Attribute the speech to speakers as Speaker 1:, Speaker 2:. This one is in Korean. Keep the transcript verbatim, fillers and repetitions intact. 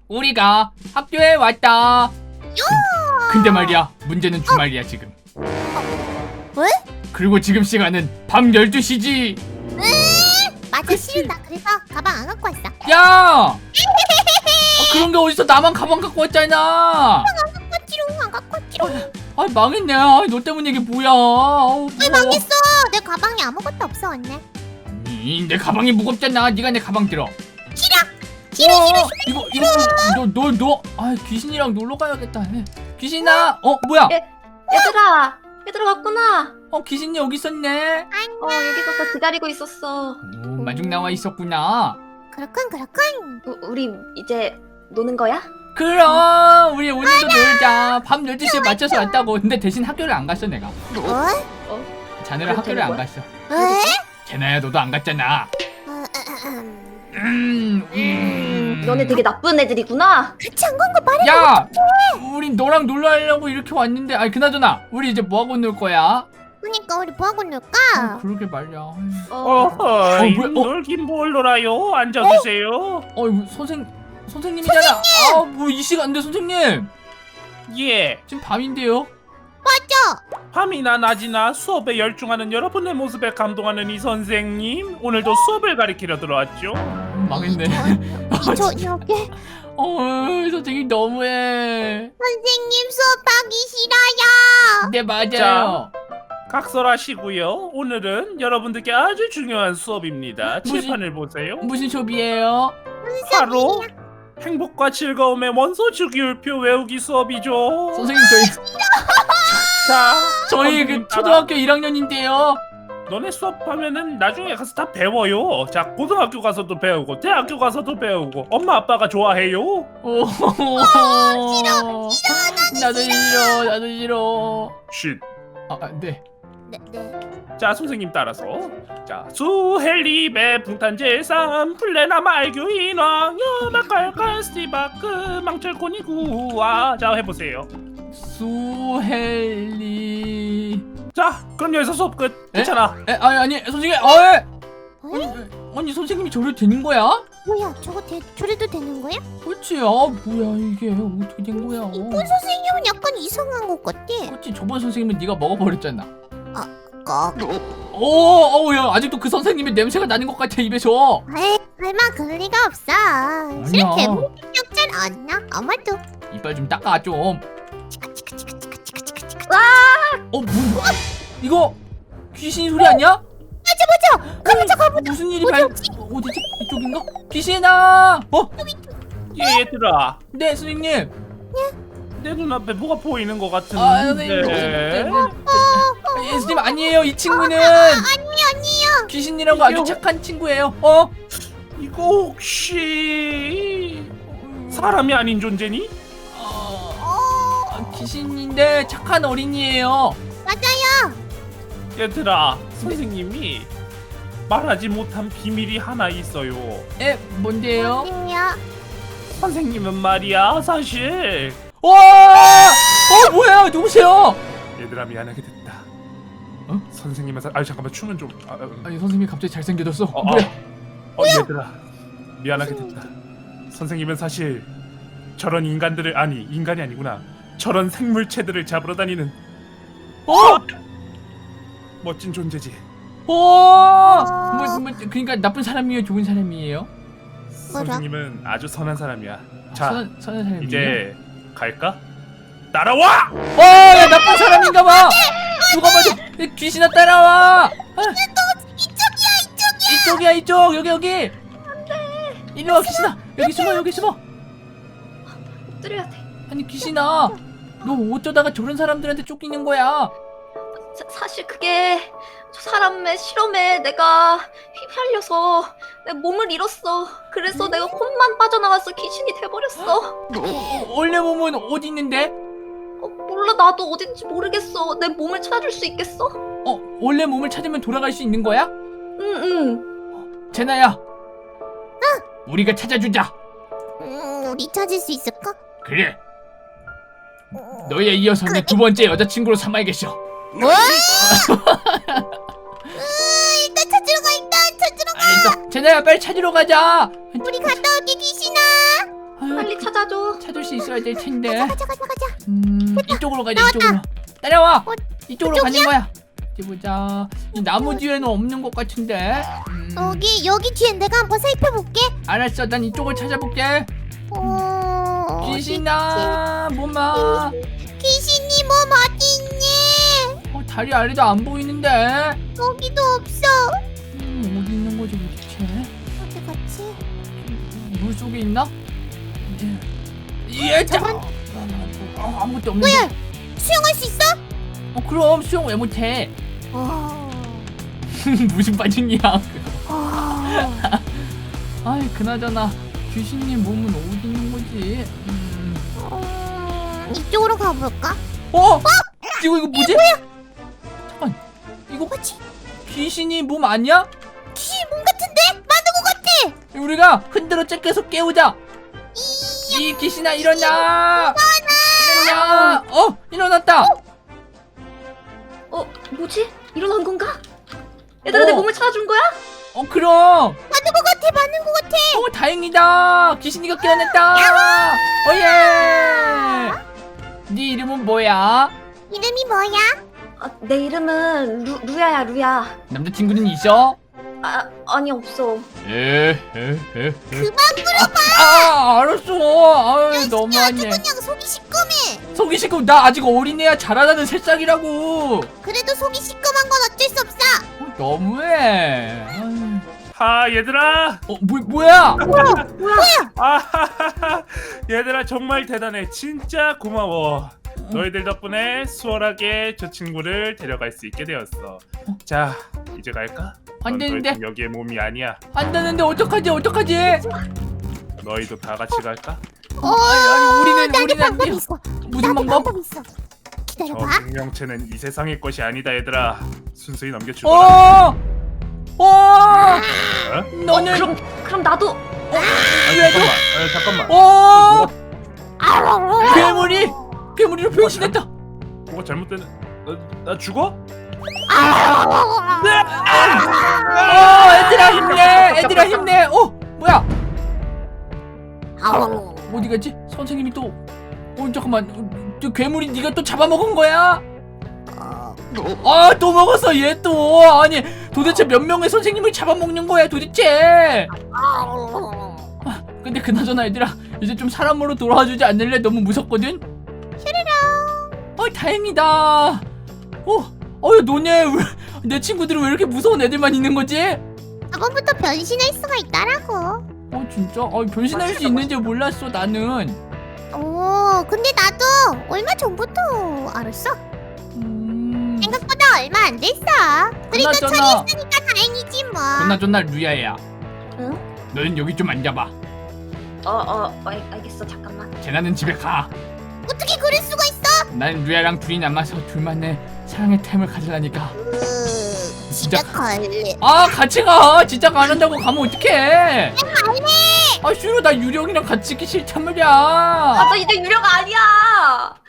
Speaker 1: 우리가 학교에 왔다. 근데 말이야, 문제는 주말이야 지금.
Speaker 2: 왜?
Speaker 1: 그리고 지금 시간은 밤 열두 시지.
Speaker 2: 맞아, 싫다. 그래서 가방 안 갖고 왔어.
Speaker 1: 야! 아, 그런 게 어디서 나만 가방 갖고 왔잖아.
Speaker 2: 꼬치롱 안 갖고 왔지롱.
Speaker 1: 아 망했네. 아, 너 때문에 이게 뭐야. 아우,
Speaker 2: 왜
Speaker 1: 무거워.
Speaker 2: 망했어? 내 가방에 아무것도 없어, 언니.
Speaker 1: 이, 내 가방이 무겁잖아. 네가 내 가방 들어.
Speaker 2: 싫어. 싫어,
Speaker 1: 어,
Speaker 2: 싫어,
Speaker 1: 이거 이거 너너 너. 아 귀신이랑 놀러 가야겠다. 귀신아. 어 뭐야?
Speaker 3: 예. 얘들아, 얘들아 왔구나.
Speaker 1: 어 귀신이 여기 있었네.
Speaker 3: 어, 여기 있어서 기다리고 있었어.
Speaker 1: 오, 마중 나와 있었구나.
Speaker 2: 그렇군, 그렇군.
Speaker 3: 우, 우리 이제 노는 거야?
Speaker 1: 그럼 우리 오늘도 놀자. 밤 열두 시에 맞춰서 왔다고. 근데 대신 학교를 안 갔어 내가.
Speaker 2: 뭐?
Speaker 1: 자네랑 학교를 안 갔어.
Speaker 2: 왜?
Speaker 1: 제나야 너도 안 갔잖아.
Speaker 2: 어, 어, 어, 음.
Speaker 1: 음, 음.
Speaker 3: 너네 되게 나쁜 애들이구나.
Speaker 2: 같이 안 간 거 말해.
Speaker 1: 야, 우린 너랑 놀러 가려고 이렇게 왔는데, 아니 그나저나 우리 이제 뭐 하고 놀 거야?
Speaker 2: 그러니까 우리 뭐 하고
Speaker 1: 어,
Speaker 2: 놀까?
Speaker 1: 그러게 말이야.
Speaker 3: 어,
Speaker 4: 어허,
Speaker 1: 어,
Speaker 4: 이
Speaker 1: 뭐야, 어?
Speaker 4: 놀긴 뭘 놀아요? 앉아주세요.
Speaker 1: 어, 이거 선생 선생님이잖아. 아, 뭐 이 시간인데 선생님?
Speaker 4: 예,
Speaker 1: 지금 밤인데요.
Speaker 2: 맞아.
Speaker 4: 밤이나 낮이나 수업에 열중하는 여러분의 모습에 감동하는 이 선생님, 오늘도 수업을 가리키려 들어왔죠?
Speaker 1: 망했네.
Speaker 2: 저 여기
Speaker 1: 어, 선생님 너무해.
Speaker 2: 선생님 수업하기 싫어요.
Speaker 1: 네 맞아요.
Speaker 4: 각설하시고요. 오늘은 여러분들께 아주 중요한 수업입니다.
Speaker 1: 무슨-
Speaker 4: 칠판을 보세요.
Speaker 1: 무슨 수업이에요?
Speaker 4: 바로 행복과 즐거움의 원소 주기율표 외우기 수업이죠.
Speaker 1: 선생님 저희
Speaker 4: 자,
Speaker 1: 저희
Speaker 4: 선생님
Speaker 1: 그
Speaker 4: 따라.
Speaker 1: 초등학교 일 학년인데요.
Speaker 4: 너네 수업하면은 나중에 가서 다 배워요. 자, 고등학교 가서도 배우고 대학교 가서도 배우고 엄마 아빠가 좋아해요.
Speaker 1: 오, 싫어, 싫어, 나도 싫어, 나도 싫어.
Speaker 4: 쉿.
Speaker 1: 아, 아, 네.
Speaker 2: 네, 네.
Speaker 4: 자, 선생님 따라서. 자, 수헬리베 붕탄제삼 플레나 말규 인왕 여마칼칼 스티바크 망철코니 구와. 자, 해보세요.
Speaker 1: 수헬리.
Speaker 4: 자, 그럼 여기서 수업 끝. 괜찮아.
Speaker 1: 에, 아니 아니 선생님, 어, 에.
Speaker 2: 에?
Speaker 1: 아니, 아니 선생님이 저를 되는 거야?
Speaker 2: 뭐야, 저거 대, 저래도 되는 거야?
Speaker 1: 그렇지. 아 뭐야 이게 어떻게 된 거야?
Speaker 2: 이번 선생님은 약간 이상한 것 같아.
Speaker 1: 그렇지. 저번 선생님은 네가 먹어버렸잖아.
Speaker 2: 꼭.
Speaker 1: 오, 어우야 아직도 그 선생님의 냄새가 나는 것 같아 입에서.
Speaker 2: 에이, 설마 그럴 리가 없어. 실제 목격잘 않나? 아마도.
Speaker 1: 이빨 좀 닦아 좀.
Speaker 2: 치카 치카 치카 치카 치카 치카 치카.
Speaker 1: 어 뭐야? 이거 귀신 소리 아니야?
Speaker 2: 맞아 맞아. 가보자 가보자.
Speaker 1: 무슨 일이
Speaker 2: 어디
Speaker 1: 발?
Speaker 2: 없지?
Speaker 1: 어, 어디지? 이쪽인가? 귀신아! 어?
Speaker 4: 예, 얘들아.
Speaker 1: 네 선생님.
Speaker 4: 내 눈앞에 뭐가 보이는 것 같은데.
Speaker 1: 아 선생님. 네. 네. 예, 선생님 아니에요. 이 친구는
Speaker 2: 아니요 아니요.
Speaker 1: 귀신이라고 아주 착한 친구예요. 어?
Speaker 4: 이거 혹시 사람이 아닌 존재니?
Speaker 1: 어, 아, 귀신인데 착한 어린이에요.
Speaker 2: 맞아요.
Speaker 4: 얘들아, 선생님이 말하지 못한 비밀이 하나 있어요.
Speaker 1: 에 뭔데요?
Speaker 2: 아니요.
Speaker 4: 선생님은 말이야, 사실.
Speaker 1: 와! 어 뭐야? 누구세요?
Speaker 4: 얘들아, 미안하게 됐다.
Speaker 1: 어?
Speaker 4: 선생님은 사... 아 잠깐만, 춤은 좀. 아, 음.
Speaker 1: 아니 선생님이 갑자기 잘생겨졌어.
Speaker 4: 어,
Speaker 1: 뭐야?
Speaker 4: 어, 어, 얘들아, 미안하게 됐다. 선생님은 사실 저런 인간들을, 아니 인간이 아니구나, 저런 생물체들을 잡으러 다니는
Speaker 1: 어?
Speaker 4: 멋진 존재지.
Speaker 1: 어? 뭐, 뭐 그러니까 나쁜 사람이에요, 좋은 사람이에요?
Speaker 2: 뭐라?
Speaker 4: 선생님은 아주 선한 사람이야. 자,
Speaker 1: 선한, 선한 사람이에요?
Speaker 4: 이제 갈까? 따라와!
Speaker 1: 어, 야, 나쁜 사람인가봐. 누가 봐도 야, 귀신아 따라와. 아,
Speaker 2: 이쪽이야 이쪽이야.
Speaker 1: 이쪽이야 이쪽. 여기 여기. 안돼. 이리 와 귀신아. 여기 숨어 여기 숨어.
Speaker 3: 엎드려야 돼.
Speaker 1: 아니 귀신아, 너 어쩌다가 저런 사람들한테 쫓기는 거야?
Speaker 3: 사, 사실 그게 저 사람의 실험에 내가 휘말려서 내 몸을 잃었어. 그래서 내가 콧만 빠져나와서 귀신이 돼버렸어.
Speaker 1: 어, 원래 몸은 어디 있는데?
Speaker 3: 어, 몰라, 나도 어딘지 모르겠어. 내 몸을 찾아줄 수 있겠어?
Speaker 1: 어, 원래 몸을 찾으면 돌아갈 수 있는 거야?
Speaker 3: 응응.
Speaker 1: 제나야. 우리가 찾아주자.
Speaker 2: 음, 우리 찾을 수 있을까?
Speaker 1: 그래. 너에 이어서 내 두 번째 여자친구로 삼아야겠어.
Speaker 2: 뭐? 일단 찾으러 가 일단 찾으러 가.
Speaker 1: 알겠어. 제나야 빨리 찾으러 가자.
Speaker 2: 우리 갔다 올게 귀신아.
Speaker 1: 아유,
Speaker 3: 빨리 찾아줘.
Speaker 1: 찾을 수 있어야 될 텐데.
Speaker 2: 가자 가자 가자.
Speaker 1: 음, 이쪽으로 가자.
Speaker 2: 나왔다.
Speaker 1: 이쪽으로. 따라와.
Speaker 2: 어,
Speaker 1: 이쪽으로 가는 거야. 어디 보자. 이 나무 뒤에는 없는 것 같은데. 음,
Speaker 2: 여기 여기 뒤엔 내가 한번 살펴볼게.
Speaker 1: 알았어. 난 이쪽을 찾아볼게.
Speaker 2: 어.
Speaker 1: 귀신아, 뭐마.
Speaker 2: 귀신이 몸 어디 있니?
Speaker 1: 어, 다리 아래도 안 보이는데.
Speaker 2: 여기도 없어.
Speaker 1: 음, 어디 있는 거지 도대체?
Speaker 2: 어디 갔지?
Speaker 1: 물 속에 있나? 예, 자.
Speaker 2: 저건-
Speaker 1: 어, 아무것도 없는데.
Speaker 2: 뭐야? 수영할 수 있어?
Speaker 1: 어, 그럼 수영 왜 못해?
Speaker 2: 어.
Speaker 1: 무슨 반응이야?
Speaker 2: 어.
Speaker 1: 아이, 그나저나 귀신님 몸은 어디 있는 거지? 음.
Speaker 2: 음, 이쪽으로 가볼까?
Speaker 1: 어? 이거 이거 뭐지? 잠깐. 이거
Speaker 2: 뭐지?
Speaker 1: 귀신이 몸 아니야?
Speaker 2: 귀신 몸 같은데? 맞는 것 같아.
Speaker 1: 우리가 흔들어 째껴서 깨우자. 이 귀신아 일어나! 일어나! 어, 일어났다.
Speaker 3: 어 뭐지? 일어난 건가? 얘들아 내
Speaker 1: 어.
Speaker 3: 몸을 찾아준 거야?
Speaker 1: 어, 그럼.
Speaker 2: 맞는 것 같아. 맞는 것 같아.
Speaker 1: 어, 다행이다. 귀신이가 깨어났다. 오예. 네 이름은 뭐야?
Speaker 2: 이름이 뭐야?
Speaker 3: 아, 내 이름은 루, 루야야 루야.
Speaker 1: 남자친구는 있어?
Speaker 3: 아 아니 없어.
Speaker 1: 에에에에.
Speaker 2: 그만
Speaker 1: 아, 알았어. 아유,
Speaker 2: 아주
Speaker 1: 너무하네.
Speaker 2: 그냥 속이 시꺼매.
Speaker 1: 속이 시끄. 나 아직 어린애야. 자라나는 새싹이라고.
Speaker 2: 그래도 속이 시꺼먼 건 어쩔 수 없어.
Speaker 1: 어, 너무해. 아유.
Speaker 4: 하 얘들아.
Speaker 1: 어, 뭐 뭐야?
Speaker 4: 아하하하. 얘들아 정말 대단해. 진짜 고마워. 너희들 덕분에 수월하게 저 친구를 데려갈 수 있게 되었어. 자 이제 갈까?
Speaker 1: 안
Speaker 4: 넌 더
Speaker 1: 되는데.
Speaker 4: 이상 여기에 몸이 아니야.
Speaker 1: 안 되는데 어떡하지? 어떡하지?
Speaker 4: 너희도 다 같이 갈까?
Speaker 2: 어,
Speaker 1: 아니, 아니, 우리는
Speaker 2: 나도
Speaker 1: 우리는
Speaker 2: 방법
Speaker 1: 안 돼요.
Speaker 2: 있어.
Speaker 1: 무슨
Speaker 2: 나도
Speaker 1: 방법?
Speaker 2: 방법 있어.
Speaker 4: 저
Speaker 2: 기다려봐.
Speaker 4: 생명체는 이 세상의 것이 아니다 얘들아. 순수히 넘겨줄
Speaker 1: 어!
Speaker 4: 거야.
Speaker 1: 어!
Speaker 4: 어?
Speaker 1: 너는
Speaker 3: 그럼 그럼 나도.
Speaker 4: 아, 잠깐만. 아, 잠깐만.
Speaker 1: 어!
Speaker 2: 아우.
Speaker 1: 괴물이 괴물이로 변신했다.
Speaker 4: 뭐가 잘못된? 나, 나 죽어?
Speaker 1: 어, 애들아 힘내. 애들아 힘내. 어, 뭐야?
Speaker 2: 아우.
Speaker 1: 어디 갔지? 선생님이 또. 어, 잠깐만. 어, 저 괴물이 네가 또 잡아먹은 거야? 아, 또 먹었어. 얘 또. 아니, 도대체 몇 명의 선생님을 잡아먹는 거야, 도대체? 아, 근데 그나저나 얘들아, 이제 좀 사람으로 돌아와주지 않을래? 너무 무섭거든. 어, 다행이다. 어, 어휴, 너네 왜, 내 친구들은 왜 이렇게 무서운 애들만 있는 거지?
Speaker 2: 저번부터 변신할 수가 있다라고.
Speaker 1: 어, 진짜? 어, 변신할 수 있는지 몰랐어, 나는.
Speaker 2: 오, 근데 나도 얼마 전부터 알았어.
Speaker 1: 음,
Speaker 2: 생각보다 얼마 안 됐어. 그래도
Speaker 1: 그나저나,
Speaker 2: 처리했으니까 다행이지 뭐.
Speaker 1: 그나저나 루야야.
Speaker 3: 응?
Speaker 1: 너는 여기 좀 앉아봐.
Speaker 3: 어어 알, 알겠어 잠깐만.
Speaker 1: 제나는 집에 가.
Speaker 2: 어떻게 그럴 수가 있어?
Speaker 1: 난 루야랑 둘이 남아서 둘만의 사랑의 템을 가지라니까.
Speaker 2: 으,
Speaker 1: 진짜
Speaker 2: 집에 갈래.
Speaker 1: 아, 같이 가. 진짜 가는다고 가면 어떡해?
Speaker 2: 갈래.
Speaker 1: 아, 싫어. 나 유령이랑 같이 있기 싫단 말이야.
Speaker 3: 아 나 이제 유령 아니야.